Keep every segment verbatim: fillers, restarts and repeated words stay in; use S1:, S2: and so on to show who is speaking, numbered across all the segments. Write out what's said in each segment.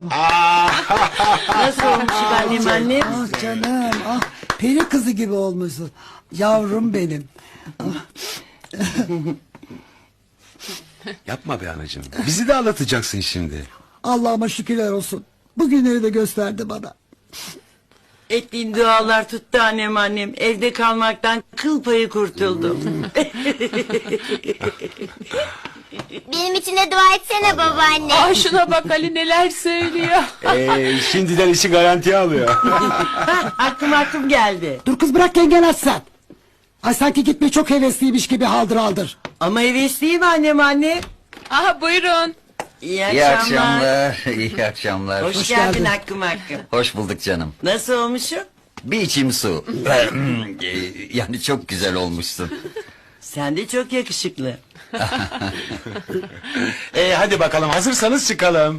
S1: Nasıl olmuş annem annem?
S2: Ah canım, ah peri kızı gibi olmuşsun. Yavrum benim.
S3: Yapma be anacığım. Bizi de ağlatacaksın şimdi.
S2: Allah'ıma şükürler olsun. Bugünleri de gösterdi bana.
S1: Ettiğin dualar tuttu annem annem. Evde kalmaktan kıl payı kurtuldum.
S4: Benim için de dua etsene babaanne.
S5: Aa, şuna bak Ali neler söylüyor.
S3: Ee, şimdiden işi garantiye alıyor.
S1: aklım aklım geldi.
S2: Dur kız bırak yengen açsan. Ay sanki gitmeye çok hevesliymiş gibi haldır haldır.
S1: Ama hevesliyim annem anne.
S5: Aha buyurun.
S1: İyi
S6: İyi
S1: akşamlar.
S6: akşamlar, iyi akşamlar.
S1: Hoş,
S2: Hoş
S1: geldin
S2: geldin.
S1: hakkım hakkım.
S6: Hoş bulduk canım.
S1: Nasıl olmuşum?
S6: Bir içim su. Yani çok güzel olmuşsun.
S1: Sen de çok yakışıklı.
S3: Ee, hadi bakalım hazırsanız çıkalım.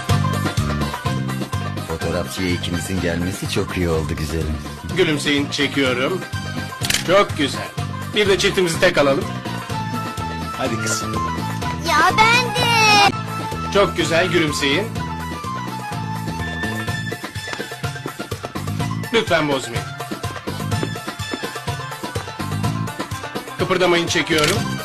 S6: Fotoğrafçıya ikimizin gelmesi çok iyi oldu güzelim.
S7: Gülümseyin, çekiyorum. Çok güzel. Bir de çiftimizi tek alalım.
S3: Hadi kızım.
S4: Ya ben de.
S7: Çok güzel, gülümseyin. Lütfen bozmayın. Kıpırdamayın, çekiyorum.